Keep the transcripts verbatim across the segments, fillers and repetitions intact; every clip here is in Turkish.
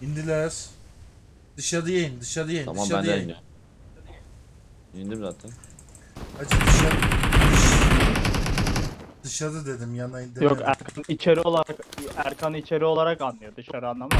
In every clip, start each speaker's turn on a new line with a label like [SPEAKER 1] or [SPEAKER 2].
[SPEAKER 1] İndiler. Dışarıya in, dışarıya in,
[SPEAKER 2] Tamam ben
[SPEAKER 1] dışarıya
[SPEAKER 2] de
[SPEAKER 1] in.
[SPEAKER 2] iniyorum. İndim zaten.
[SPEAKER 1] Hacı dışarı. Dışarı dedim, yana in
[SPEAKER 3] Yok,
[SPEAKER 1] demedim.
[SPEAKER 3] Erkan içeri olarak Erkan içeri olarak anlıyor, dışarı anlamaz.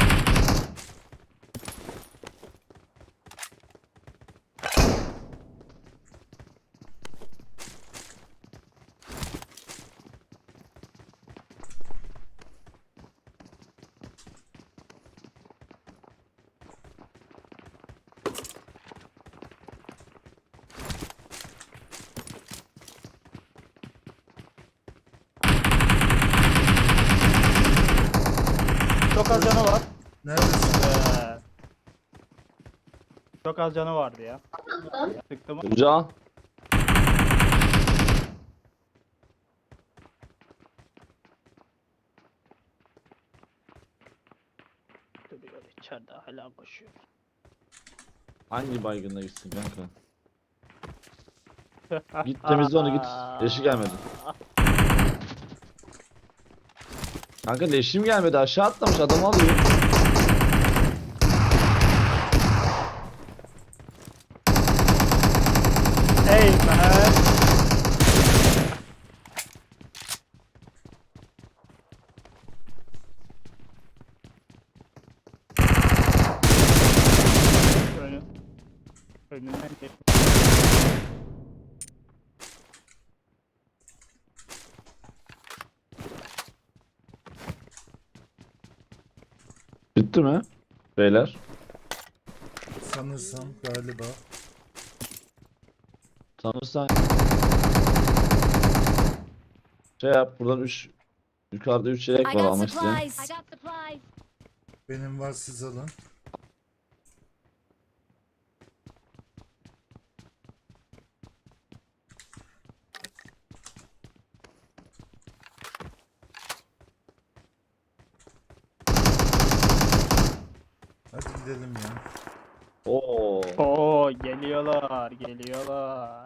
[SPEAKER 3] Çok az canı var.
[SPEAKER 1] Neredesin?
[SPEAKER 3] Ee, çok az canı vardı ya. Sıktım.
[SPEAKER 2] Can.
[SPEAKER 3] Duruyor içeride, hala koşuyor.
[SPEAKER 2] Hangi baygınla gitsin kanka? Git temizle onu git. Leşi gelmedi. Kanka leşim gelmedi, aşağı atlamış, adamı alıyor.
[SPEAKER 3] Hey man. Önü. Önünden geç.
[SPEAKER 2] Bitti mi? Beyler.
[SPEAKER 1] Sanırsam galiba.
[SPEAKER 2] Sanırsan şey yap, buradan üç yukarıda üç yelek
[SPEAKER 4] I
[SPEAKER 2] var
[SPEAKER 4] got
[SPEAKER 2] almak isteyen.
[SPEAKER 4] supplies. I got supplies.
[SPEAKER 1] Benim var, siz alın. Hadi gidelim ya.
[SPEAKER 2] Oo.
[SPEAKER 3] Oo, geliyorlar, geliyorlar.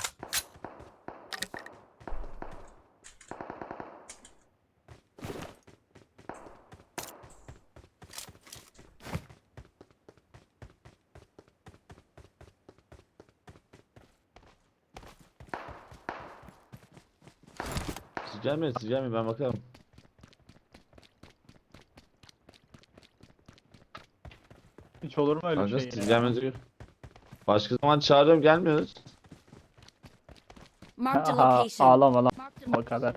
[SPEAKER 2] Siz gelmeyin, siz gelmeyin, ben bakarım.
[SPEAKER 3] Hiç olur mu öyle
[SPEAKER 2] Kanka
[SPEAKER 3] şey
[SPEAKER 2] siz
[SPEAKER 3] ya?
[SPEAKER 2] gelmenize gör. Başka zaman çağırıyorum, gelmiyoruz.
[SPEAKER 4] Marked a
[SPEAKER 3] Aha,
[SPEAKER 4] location.
[SPEAKER 3] ağlama lan,
[SPEAKER 4] Marked a
[SPEAKER 3] o kadar.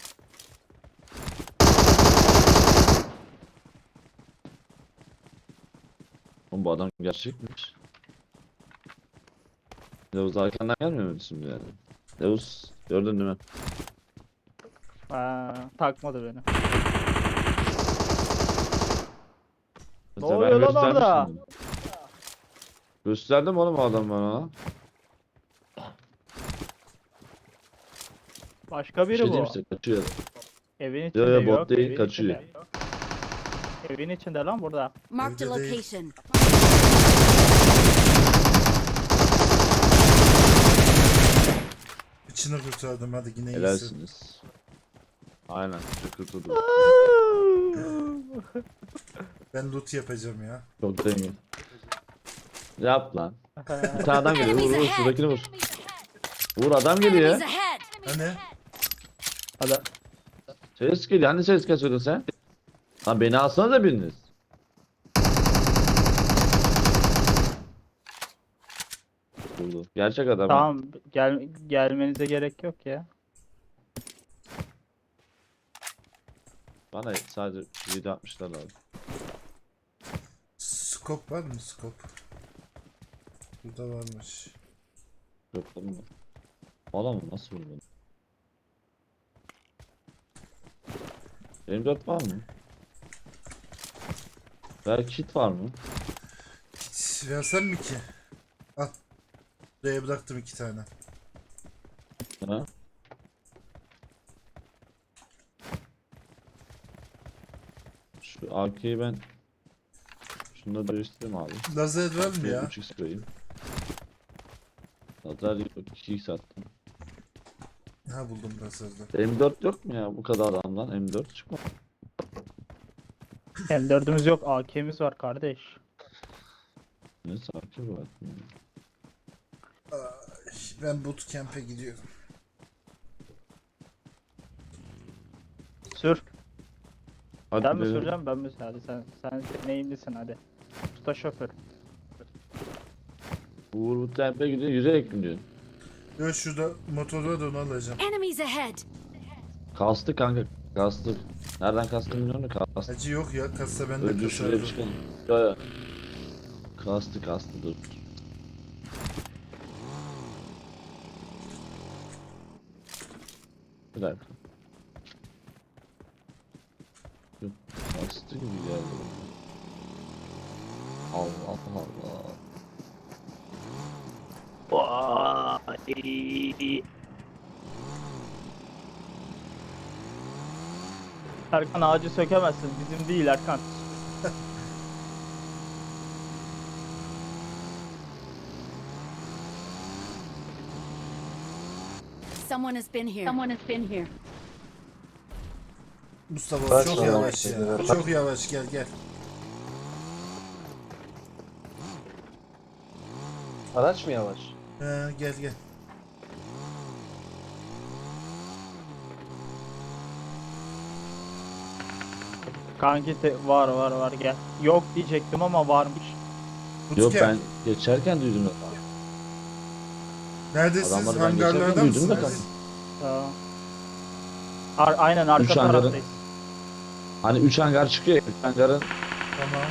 [SPEAKER 2] Oğlum bu adam gerçekmiş. Levuz arkandan gelmiyor mu şimdi yani? Levuz gördün değil mi?
[SPEAKER 3] Ha, takmadı beni.
[SPEAKER 2] Mesela ben
[SPEAKER 3] oluyor lan
[SPEAKER 2] göstermiştim
[SPEAKER 3] orada?
[SPEAKER 2] bunu. Gösterdim oğlum o adam bana.
[SPEAKER 3] Başka
[SPEAKER 2] Bir
[SPEAKER 3] biri
[SPEAKER 2] şey
[SPEAKER 3] bu.
[SPEAKER 2] diyeyim size, kaçıyor.
[SPEAKER 3] Evin
[SPEAKER 2] Yo,
[SPEAKER 3] içinde
[SPEAKER 2] yo, bot
[SPEAKER 3] yok.
[SPEAKER 2] değil,
[SPEAKER 3] evin
[SPEAKER 2] kaçıyor.
[SPEAKER 3] içinde. Evin içinde lan burada.
[SPEAKER 4] Marked a
[SPEAKER 1] Evde değil.
[SPEAKER 4] location.
[SPEAKER 1] İçini kurtardım, hadi yine iyisin.
[SPEAKER 2] Helalsiniz. Aynen. Çok kurtuldu.
[SPEAKER 1] Ben loot yapacağım ya.
[SPEAKER 2] Çok zengin. Yap lan. Bir tane adam geliyor. Vur
[SPEAKER 4] Enemies
[SPEAKER 2] vur.
[SPEAKER 4] ahead.
[SPEAKER 2] Şuradakini vur. Vur, adam geliyor.
[SPEAKER 4] Enemies ahead.
[SPEAKER 1] Hani?
[SPEAKER 3] Hadi.
[SPEAKER 2] Ses geliyor. Hani ses kesiyordun sen? Lan beni alsana da biriniz. Vurdu. Gerçek adam. ha.
[SPEAKER 3] Tamam, gel gelmenize gerek yok ya.
[SPEAKER 2] Bana sadece video atmışlar abi.
[SPEAKER 1] Scope var mı, scope? Burada varmış.
[SPEAKER 2] Yok mu? Adam nasıl vurdu? M dört var mı? Belki kit var mı?
[SPEAKER 1] Hiç versem mi ki? Al. Buraya bıraktım iki tane.
[SPEAKER 2] Ha? Şu A K'yi ben şunları değiştireyim abi.
[SPEAKER 1] Lazer var mı ya?
[SPEAKER 2] üç x koyayım. Lazer yok, iki x attım.
[SPEAKER 1] Ha, buldum lazerde.
[SPEAKER 2] M dört yok mu ya bu kadar adamdan? M dört çıkma.
[SPEAKER 3] M dördümüz yok, A K'miz var kardeş.
[SPEAKER 2] Ne sakin var.
[SPEAKER 1] Ben bootcamp'e gidiyorum.
[SPEAKER 3] Sür.
[SPEAKER 2] Hadi
[SPEAKER 3] Sen mi
[SPEAKER 2] gidelim.
[SPEAKER 3] süreceksin ben mi? Hadi sen sen neyimlisin hadi. Usta şoför.
[SPEAKER 2] Uğur bu tempe gidiyor, yürüyerek mi diyorsun?
[SPEAKER 1] Yo şurada motor var da onu alacağım.
[SPEAKER 4] Enemies ahead!
[SPEAKER 2] Kastı kanka, kastı. Nereden kastı bilmiyorum da kastı.
[SPEAKER 1] Acı yok ya kassa ben de
[SPEAKER 2] Önce şuraya bir
[SPEAKER 1] kasardım.
[SPEAKER 2] çıkalım. Ya ya. Kastı kastı dur. Bir dakika. Yok, kastı gibi geldi. Allah Allah.
[SPEAKER 3] Vay. Erkan ağacı sökemezsin. Bizim değil Erkan.
[SPEAKER 4] Someone has been here. Someone has been here.
[SPEAKER 1] Mustafa
[SPEAKER 5] Kaç
[SPEAKER 1] çok
[SPEAKER 5] tane
[SPEAKER 1] yavaş
[SPEAKER 5] var?
[SPEAKER 1] ya. Çok yavaş gel gel.
[SPEAKER 5] Araç mı yavaş?
[SPEAKER 1] He, gel gel.
[SPEAKER 3] Kanki te- var var var gel. Yok diyecektim ama varmış.
[SPEAKER 2] Yok
[SPEAKER 1] Bootcamp.
[SPEAKER 2] ben geçerken duydum ya.
[SPEAKER 1] Neredesiniz?
[SPEAKER 2] Adamları ben
[SPEAKER 1] Hangarlarda
[SPEAKER 2] geçerken duydum da
[SPEAKER 1] mısınız?
[SPEAKER 3] Tamam. Ar- aynen arka
[SPEAKER 2] Üç hangarın-
[SPEAKER 3] taraftayız.
[SPEAKER 2] Hani üç hangar çıkıyor ya, üç hangarın
[SPEAKER 1] Tamam.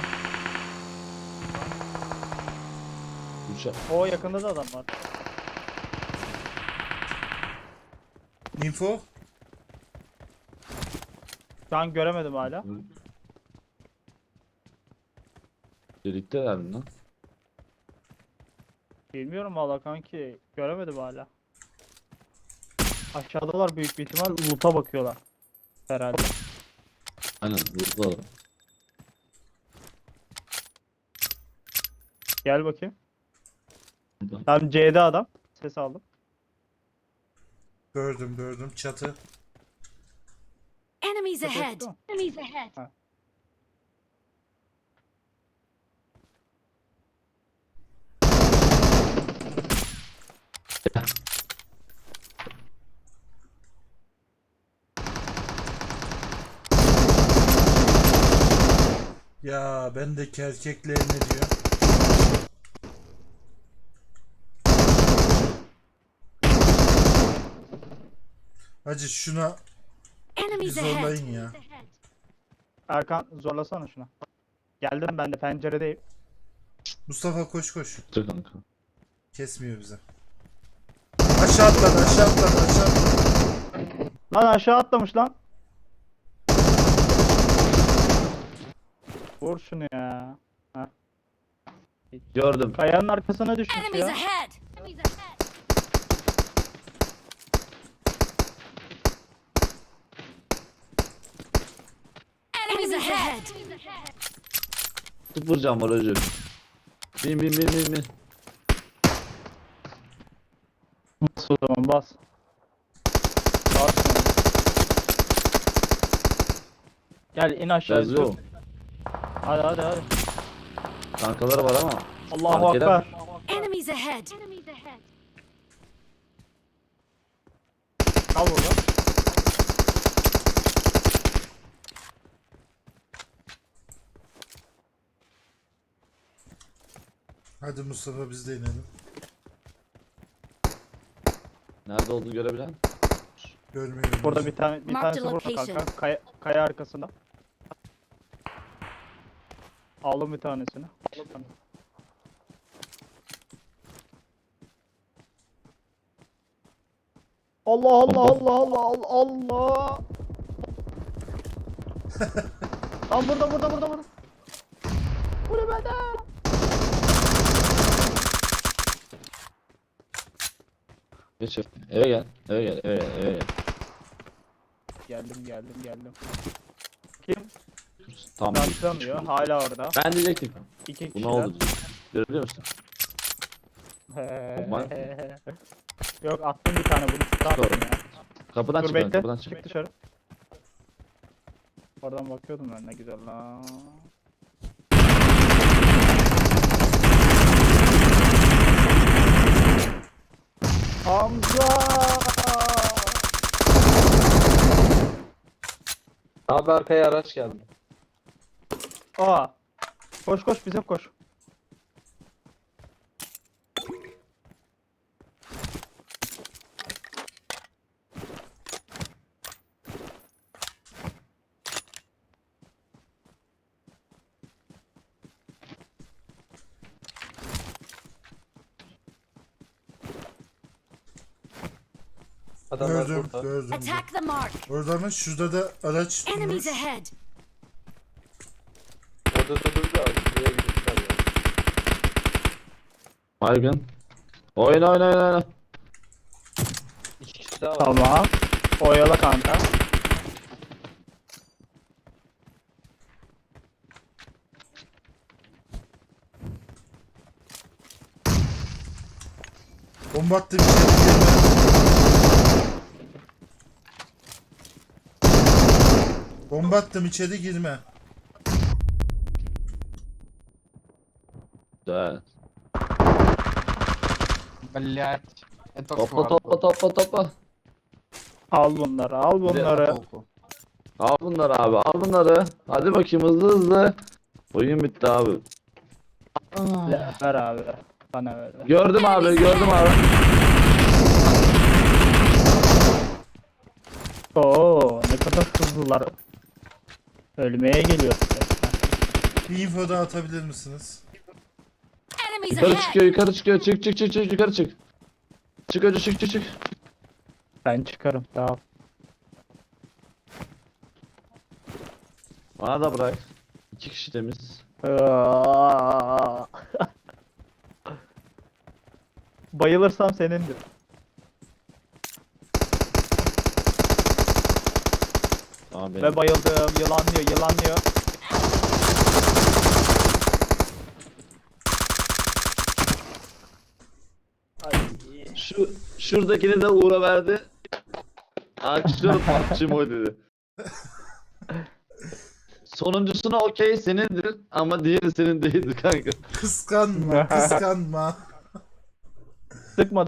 [SPEAKER 2] üç
[SPEAKER 3] O yakında da adam var.
[SPEAKER 1] Info?
[SPEAKER 3] Şu an göremedim hala.
[SPEAKER 2] birlikteler mi lan?
[SPEAKER 3] Bilmiyorum valla kanki. Göremedim hala. Aşağıdalar büyük bir ihtimal loot'a bakıyorlar. Herhalde.
[SPEAKER 2] Aynen vurdular.
[SPEAKER 3] Gel bakayım. Tam C'de adam. Ses aldım.
[SPEAKER 1] Gördüm gördüm çatı.
[SPEAKER 4] Enemies
[SPEAKER 3] Ses
[SPEAKER 4] ahead!
[SPEAKER 3] yok.
[SPEAKER 4] Enemies ahead!
[SPEAKER 3] Ha.
[SPEAKER 1] Ya bendeki erkekler ne diyor? Hacı şuna bir
[SPEAKER 4] Enemies ahead!
[SPEAKER 1] zorlayın ya.
[SPEAKER 3] Erkan zorlasana şuna. Geldim ben de penceredeyim.
[SPEAKER 1] Mustafa koş koş.
[SPEAKER 2] Dur kanka.
[SPEAKER 1] Kesmiyor bize. Aşağı atladı aşağı atladı aşağı atladı.
[SPEAKER 3] Lan aşağı atlamış lan. Vur şunu ya.
[SPEAKER 2] Gördüm.
[SPEAKER 3] Kayanın arkasına düşmüş
[SPEAKER 4] Enemies
[SPEAKER 3] ya.
[SPEAKER 4] ahead! Enemies ahead! Enemies ahead!
[SPEAKER 2] Tık vuracağım var özür. Bin bin bin bin bin.
[SPEAKER 3] Bas o zaman bas. Bas şuna. Gel in aşağı.
[SPEAKER 2] Yazıyor.
[SPEAKER 3] dur. Hadi hadi hadi.
[SPEAKER 2] Kankaları var ama.
[SPEAKER 3] Allahu
[SPEAKER 2] Fark eder.
[SPEAKER 3] Ekber.
[SPEAKER 4] Enemies ahead! Enemies ahead!
[SPEAKER 3] Kal burada.
[SPEAKER 1] Hadi Mustafa biz de inelim.
[SPEAKER 2] Nerede olduğunu görebilen?
[SPEAKER 1] Görmüyorum.
[SPEAKER 3] Burada bir tane bir
[SPEAKER 4] Mark
[SPEAKER 3] tanesi
[SPEAKER 4] the
[SPEAKER 3] burada
[SPEAKER 4] location.
[SPEAKER 3] kanka. Kaya, kaya arkasında. Aldım bir tanesini. Allah Allah Allah Allah Allah Allah. Lan burada burada burada burada. Bu ne bende?
[SPEAKER 2] Geç eve gel. Eve gel. Eve gel. Eve gel.
[SPEAKER 3] Geldim geldim geldim. Kim?
[SPEAKER 2] Tam
[SPEAKER 3] Başlamıyor. Hala orada.
[SPEAKER 2] Ben diyecektim.
[SPEAKER 3] İki
[SPEAKER 2] Bu
[SPEAKER 3] kişiler.
[SPEAKER 2] ne oldu? Görebiliyor musun?
[SPEAKER 3] Yok attım bir tane bunu. Attım
[SPEAKER 2] Doğru.
[SPEAKER 3] ya.
[SPEAKER 2] Kapıdan
[SPEAKER 3] Dur
[SPEAKER 2] çık lan,
[SPEAKER 3] bekle.
[SPEAKER 2] kapıdan çık.
[SPEAKER 3] Çık dışarı. Oradan bakıyordum ben, ne güzel lan. Hamza!
[SPEAKER 5] Abi arkaya araç geldi.
[SPEAKER 3] Aa! Koş koş, bize koş.
[SPEAKER 5] Adamlar
[SPEAKER 1] Gördüm,
[SPEAKER 5] burada.
[SPEAKER 1] gördüm.
[SPEAKER 4] Attack the mark.
[SPEAKER 1] Orada mı? Şurada da araç durmuş.
[SPEAKER 4] Enemies ahead.
[SPEAKER 5] Orada da durdu abi. Buraya gitmişler ya.
[SPEAKER 2] Baygın. Oyna oyna oyna oyna.
[SPEAKER 5] İki kişi daha var.
[SPEAKER 3] Tamam. Oyala kanka.
[SPEAKER 1] Bomba attım içeri girme. Bomba attım içeri girme.
[SPEAKER 2] Güzel.
[SPEAKER 6] Блять. Это
[SPEAKER 2] Topla
[SPEAKER 6] фарт.
[SPEAKER 2] topla topla topla.
[SPEAKER 3] Al bunları, al bunları.
[SPEAKER 6] Толку.
[SPEAKER 2] Al bunları abi al bunları. Hadi bakayım hızlı hızlı. Oyun bitti abi.
[SPEAKER 3] Ver abi. Bana ver.
[SPEAKER 2] Gördüm abi gördüm abi.
[SPEAKER 3] Oo, ne kadar hızlılar. Ölmeye geliyor.
[SPEAKER 1] Bir info daha atabilir misiniz?
[SPEAKER 4] Enemies
[SPEAKER 2] Yukarı
[SPEAKER 4] ahead.
[SPEAKER 2] çıkıyor yukarı çıkıyor. Çık çık çık çık yukarı çık. Çık önce çık çık çık.
[SPEAKER 3] Ben çıkarım. Tamam.
[SPEAKER 2] Bana da bırak. İki kişi temiz.
[SPEAKER 3] Aa. Bayılırsam senindir.
[SPEAKER 2] Tamam benim.
[SPEAKER 3] Ve bayıldım. Yılanlıyor, yılanlıyor.
[SPEAKER 2] Şu şuradakini de Uğur'a verdi. Açtım parçam o dedi. Sonuncusuna okey senindir ama diğeri senin değildir kanka.
[SPEAKER 1] Kıskanma, kıskanma.
[SPEAKER 3] Sıkmadı